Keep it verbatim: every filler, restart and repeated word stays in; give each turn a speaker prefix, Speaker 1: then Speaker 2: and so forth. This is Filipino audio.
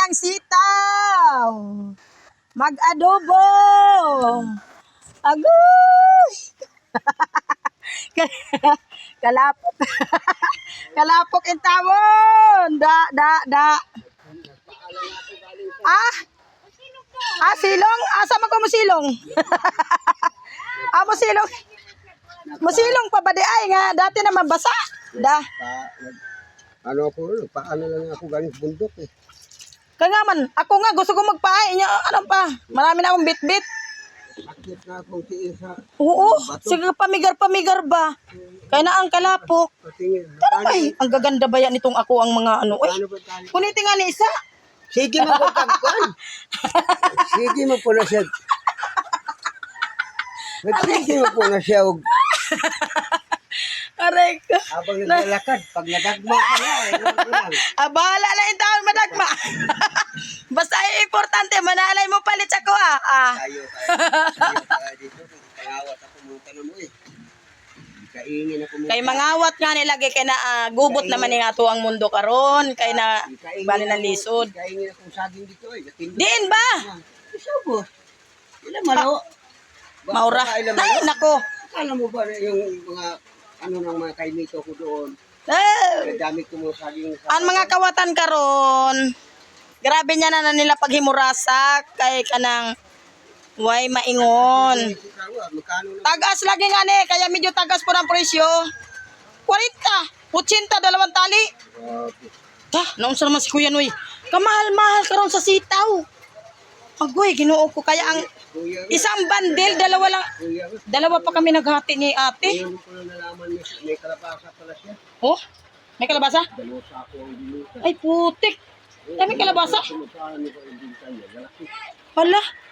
Speaker 1: ng sitaw. Mag-adobo. Agoy! Kalapok. Kalapok in tawon. Da, da, da. Ah? Ah, silong? Asa man ko mo silong? Ah, mo silong. Mo silong pa ba di ay nga dati na mabasa. Da.
Speaker 2: Ano ako, paano lang ako galing sa bundok eh.
Speaker 1: Kaya nga man, ako nga gusto ko magpahay niya. Ano pa? Marami na akong bit-bit.
Speaker 2: Sakit na akong tiis sa
Speaker 1: Oo, sige pamigar-pamigar ba? Kaya na ang kalapok.
Speaker 2: patingin.
Speaker 1: Pero ay, ang gaganda ba yan itong ako ang mga ano. Uy,
Speaker 2: Paano ba tayo?
Speaker 1: kunitin nga ni isa.
Speaker 2: Sige mo po kagkuhan. Sige mo po na siya. Sige mo po na siya. og-
Speaker 1: Aray ko.
Speaker 2: Habang naglalakad, pag nadagma ka na, eh, ano lang.
Speaker 1: Ah, bahala lang yung taon madagma. Basta ay importante, manalay mo palit ako ah. ah.
Speaker 2: Tayo, tayo. Tayo dito. Pangawat ako mga tanong mo eh. Kaingin ako mga.
Speaker 1: Kay mangawat nga nilagay kay na ah, gubot naman nga to ang mundo karon kay na bali ng lisod.
Speaker 2: Kaingin akong saging dito eh. Gatindog.
Speaker 1: Diin ba?
Speaker 2: Isa po. Ilan malo? Ba-
Speaker 1: Maura.
Speaker 2: baka ilan malo?
Speaker 1: Ay, nako.
Speaker 2: Akala mo ba na yung mga ano ng mga kainito ko doon?
Speaker 1: Eh,
Speaker 2: Kadamit ko mga saging sa
Speaker 1: ang mga kawatan karon. Grabe niya na, na nila paghimurasak kay kanang way maingon.
Speaker 2: Magkano na?
Speaker 1: Tagas lagi nga ni, kaya medyo tagas po ng presyo. forty, eighty, dalawang tali.
Speaker 2: Grabe.
Speaker 1: Ta, naunsa naman si Kuya Noy. Kamahal-mahal karon sa sitaw. Agoy, ginoo ko kaya ang
Speaker 2: Kuya,
Speaker 1: isang bandel, dalawa lang.
Speaker 2: kuya,
Speaker 1: Dalawa pa kami naghati ni ate.
Speaker 2: ngayon ko lang nalaman may, may kalapasa pala siya.
Speaker 1: Oh, may kalabasa?
Speaker 2: Dalawa sa ako ang binuta.
Speaker 1: Ay putik. Dami kalabasa.
Speaker 2: Sumutahan niyo ko yung binta niya. Malaki.
Speaker 1: Hala,